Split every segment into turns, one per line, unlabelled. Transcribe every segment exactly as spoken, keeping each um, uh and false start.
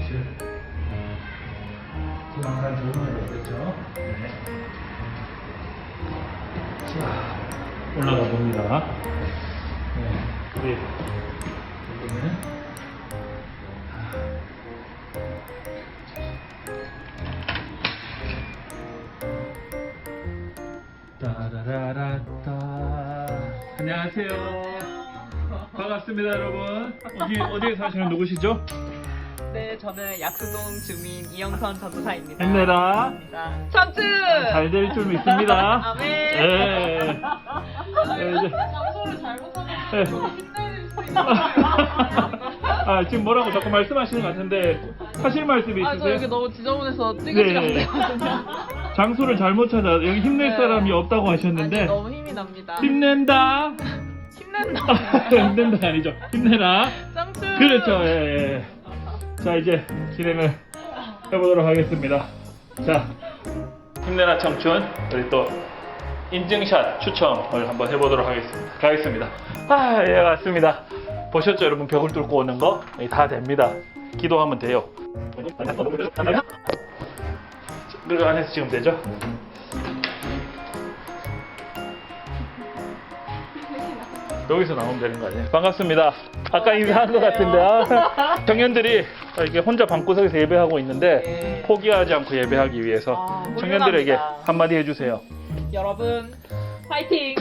사실 항상 좋은 날 되겠죠. 네. 자, 올라가 봅니다. 네, 우리 이번에 따라라라따. 안녕하세요. 반갑습니다, 여러분. 어디 어디에 사시는 누구시죠?
네, 저는 약수동 주민 이영선 전도사입니다.
힘내라.
삼촌!
잘 될 줄 믿습니다.
아멘.
네. 네, 이제.
장소를 잘못하면
네.
힘내줄 수 있는
아, 지금 뭐라고 자꾸 말씀하시는 것 같은데 하실 말씀이
아, 저
있으세요?
여기 너무 지저분해서 찌그찌그 안
네.
되거든요.
장소를 잘못 찾아 여기 힘낼
네.
사람이 없다고 하셨는데
아니, 너무 힘이 납니다.
힘낸다.
힘낸다.
힘낸다 아니죠. 힘내라.
삼촌!
그렇죠. 예, 예. 자, 이제 진행을 해보도록 하겠습니다. 자, 힘내라 청춘, 우리 또 인증샷 추첨을 한번 해보도록 하겠습니다. 가겠습니다. 아, 예, 맞습니다. 보셨죠, 여러분? 벽을 뚫고 오는 거? 예, 다 됩니다. 기도하면 돼요. 그 안에서 지금 되죠? 여기서 나오면 되는 거 아니에요? 반갑습니다. 아까 인사한 것 같은데 아, 청년들이 이렇게 혼자 방구석에서 예배하고 있는데
네.
포기하지 않고 예배하기 위해서
아,
청년들에게
훌륭합니다.
한마디 해주세요.
여러분, 파이팅!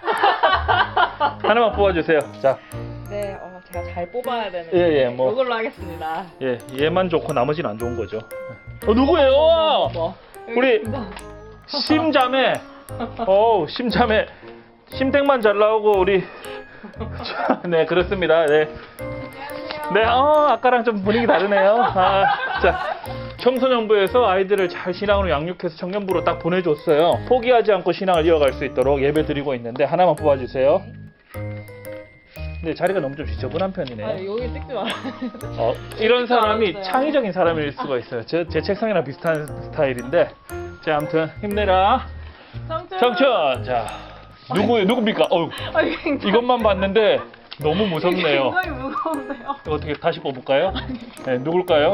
하나만 뽑아주세요. 자,
네, 어, 제가 잘 뽑아야 되는데
예, 예, 뭐.
이걸로 하겠습니다.
예, 얘만 좋고 나머지는 안 좋은 거죠. 어, 누구예요?
뭐,
우리 심자매. 어우, 심자매. 심택만 잘 나오고 우리 네, 그렇습니다. 네. 네, 어, 아까랑 좀 분위기 다르네요. 아, 자, 청소년부에서 아이들을 잘 신앙으로 양육해서 청년부로 딱 보내줬어요. 포기하지 않고 신앙을 이어갈 수 있도록 예배 드리고 있는데 하나만 뽑아주세요. 근데 자리가 너무 좀 지저분한 편이네요.
아, 여기 찍지 말아요.
어, 이런 사람이
알았어요.
창의적인 사람일 수가 있어요. 제, 제 책상이랑 비슷한 스타일인데. 자, 아무튼 힘내라.
삼촌!
청춘. 자, 누구 누굽니까? 어우,
아, 굉장히,
이것만 봤는데 너무 무섭네요.
굉장히 무거운데요.
이거 어떻게 다시 뽑을까요? 네, 누굴까요?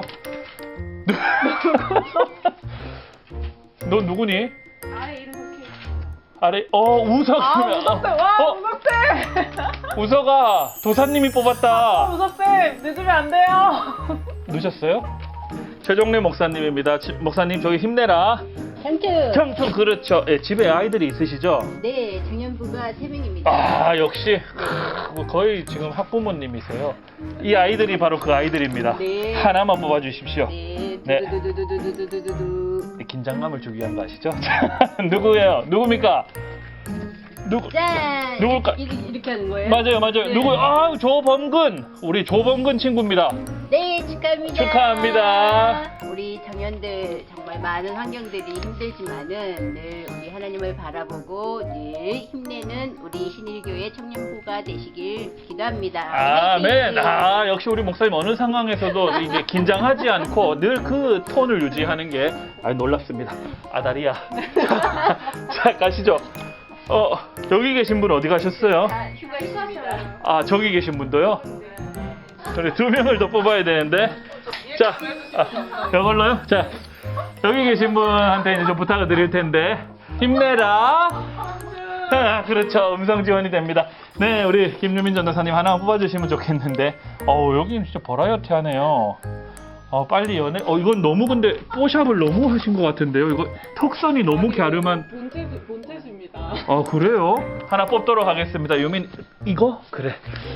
너 누구니?
아래 이름 적혀
아래, 어, 우석.
아, 우석쌤! 와,
어,
우석쌤!
우석아, 도사님이
아,
뽑았다.
우석쌤! 늦으면 안 돼요!
누셨어요? 최종래 목사님입니다. 지- 목사님, 저기 힘내라.
삼촌.
청춘, 그렇죠. 예, 집에 아이들이 있으시죠?
네, 청년부가 세 명입니다.
아, 역시 크, 거의 지금 학부모님이세요. 이 아이들이 바로 그 아이들입니다.
네.
하나만 뽑아주십시오.
네.
네.
두두두두두두두두두.
긴장감을 주기 위한 거 아시죠? 누구예요? 누굽니까? 누구?
짠.
누굴까?
이렇게, 이렇게 하는 거예요?
맞아요, 맞아요.
네.
누구? 아, 조범근. 우리 조범근 친구입니다.
네, 축하합니다.
축하합니다.
우리 청년들 정말 많은 환경들이 힘들지만은 늘 우리 하나님을 바라보고 늘 힘내는 우리 신일교회 청년부가 되시길 기도합니다.
아멘.
화이팅!
아, 역시 우리 목사님 어느 상황에서도 이게 긴장하지 않고 늘 그 톤을 유지하는 게 아, 놀랍습니다. 아다리야. 자, 자, 가시죠. 어, 여기 계신 분 어디 가셨어요?
아, 휴가 있습니다.
아, 저기 계신 분도요? 그래, 두 명을 더 뽑아야 되는데. 자, 아, 이걸로요? 자, 여기 계신 분한테 이제 좀 부탁을 드릴 텐데. 힘내라. 아, 그렇죠. 음성 지원이 됩니다. 네, 우리 김유민 전도사님 하나 뽑아주시면 좋겠는데. 어우, 여기는 진짜 버라이어티 하네요. 어, 빨리 연애. 어, 이건 너무 근데 뽀샵을 너무 하신 것 같은데요. 이거 턱선이 너무 갸름한.
본태수, 본태수입니다.
아, 그래요? 하나 뽑도록 하겠습니다. 유민, 이거? 그래.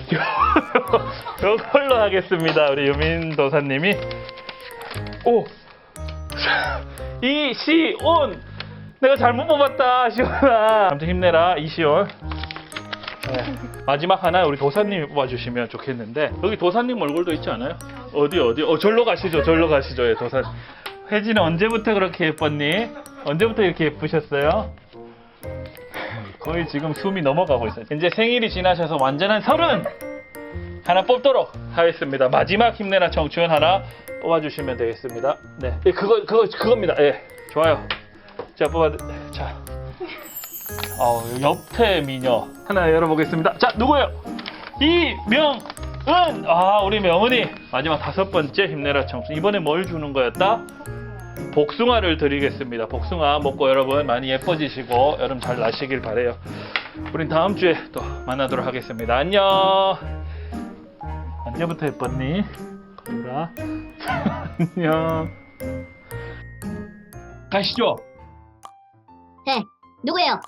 이걸로 하겠습니다. 우리 유민 도사님이. 오! 이시온! 내가 잘못 뽑았다, 시온아. 아무튼 힘내라, 이시온. 네. 마지막 하나 우리 도사님이 뽑아주시면 좋겠는데. 여기 도사님 얼굴도 있지 않아요? 어디, 어디? 어, 절로 가시죠, 절로 가시죠, 예, 도사. 혜진은 언제부터 그렇게 예뻤니? 언제부터 이렇게 예쁘셨어요? 거의 지금 숨이 넘어가고 있어요. 이제 생일이 지나셔서 완전한 서른 하나 뽑도록 하겠습니다. 마지막 힘내라 청춘 하나 뽑아주시면 되겠습니다. 네, 예, 그거 그거 그겁니다. 예, 좋아요. 자, 뽑아. 자, 어, 옆태 미녀 하나 열어보겠습니다. 자, 누구예요? 이명 은! 아, 우리 명은이 마지막 다섯 번째 힘내라 청춘. 이번에 뭘 주는 거였다? 복숭아를 드리겠습니다. 복숭아 먹고 여러분 많이 예뻐지시고 여름 잘 나시길 바래요. 우린 다음 주에 또 만나도록 하겠습니다. 안녕. 언제부터 예뻤니? 거울아. 안녕. 가시죠.
네, 누구예요?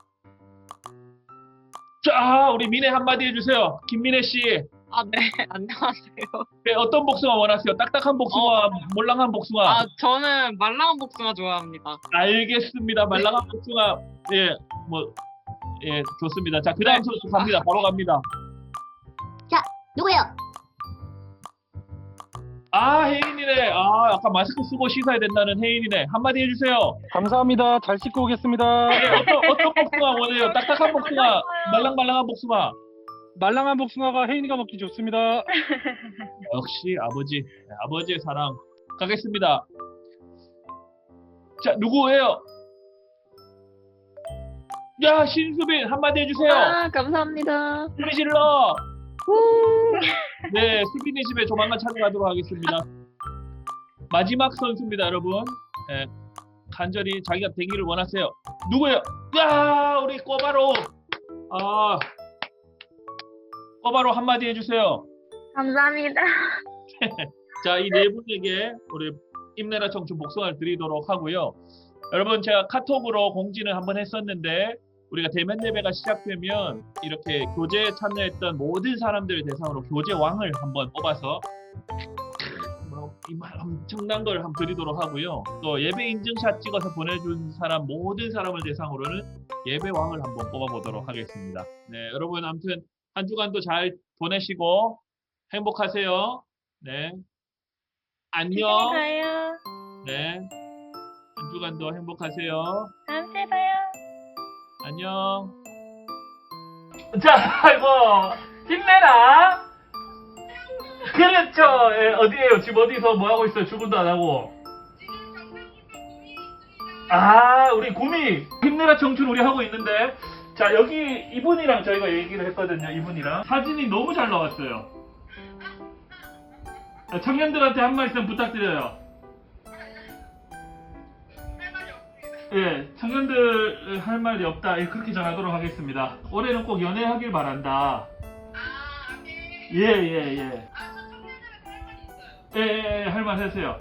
자, 우리 민혜 한마디 해주세요. 김민혜 씨.
아, 네. 안녕하세요.
네, 어떤 복숭아 원하세요? 딱딱한 복숭아,
어.
몰랑한 복숭아.
아, 저는 말랑한 복숭아 좋아합니다.
알겠습니다. 말랑한 복숭아. 예, 뭐, 예, 좋습니다. 자, 그 다음 선수 갑니다. 바로 갑니다.
자, 누구예요?
아, 혜인이네. 아, 아까 마스크 쓰고 씻어야 된다는 혜인이네. 한마디 해주세요.
감사합니다. 잘 씻고 오겠습니다.
네, 어떤, 어떤 복숭아 원해요? 딱딱한 복숭아, 말랑말랑한 복숭아.
말랑한 복숭아가 혜인이가 먹기 좋습니다.
역시 아버지, 네, 아버지의 사랑. 가겠습니다. 자, 누구예요? 야, 신수빈 한마디 해주세요.
아, 감사합니다.
소리 질러. 네, 수빈이 집에 조만간 찾아가도록 하겠습니다. 마지막 선수입니다, 여러분. 네, 간절히 자기가 되기를 원하세요. 누구예요? 야, 우리 꼬바로. 아, 꼬바로 한마디 해주세요.
감사합니다.
자, 이 네 분에게 우리 힘내라 청춘 복숭아를 드리도록 하고요. 여러분, 제가 카톡으로 공지를 한번 했었는데 우리가 대면 예배가 시작되면 이렇게 교제에 참여했던 모든 사람들을 대상으로 교제 왕을 한번 뽑아서 뭐, 이말 엄청난 걸 한번 드리도록 하고요. 또 예배 인증샷 찍어서 보내준 사람 모든 사람을 대상으로는 예배 왕을 한번 뽑아보도록 하겠습니다. 네, 여러분 아무튼 한 주간도 잘 보내시고 행복하세요. 네, 안녕.
가요.
네, 한 주간도 행복하세요.
다음 주에 봐요.
안녕. 자, 아이고 힘내라. 그렇죠. 예, 어디에요? 지금 어디서 뭐 하고 있어요? 출근도 안 하고. 아, 우리 구미 힘내라 청춘 우리 하고 있는데, 자 여기 이분이랑 저희가 얘기를 했거든요. 이분이랑 사진이 너무 잘 나왔어요. 청년들한테 한 말씀 부탁드려요. 예, 청년들 할 말이 없다. 예, 그렇게 전하도록 하겠습니다. 올해는 꼭 연애하길 바란다. 예, 예, 예. 예, 예, 예, 할 말 하세요.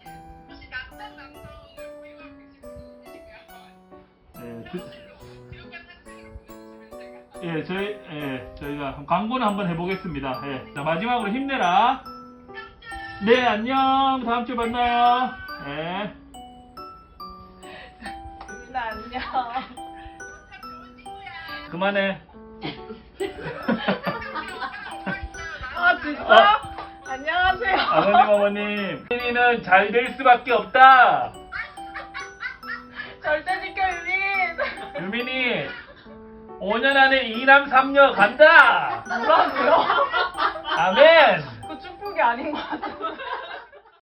예, 그, 예, 저희, 예, 저희가 광고는 한번 해보겠습니다. 예, 자, 마지막으로 힘내라. 네, 안녕. 다음 주에 만나요. 예.
안녕.
그만해.
아, 진짜?
어.
안녕하세요.
아버님, 어머님. 혜인이는 잘 될 수밖에 없다.
절대 지켜, 유민.
유민이 오 년 안에 이 남 삼 녀 간다.
뭐라고요?
아멘.
그 축복이 아닌 것 같아.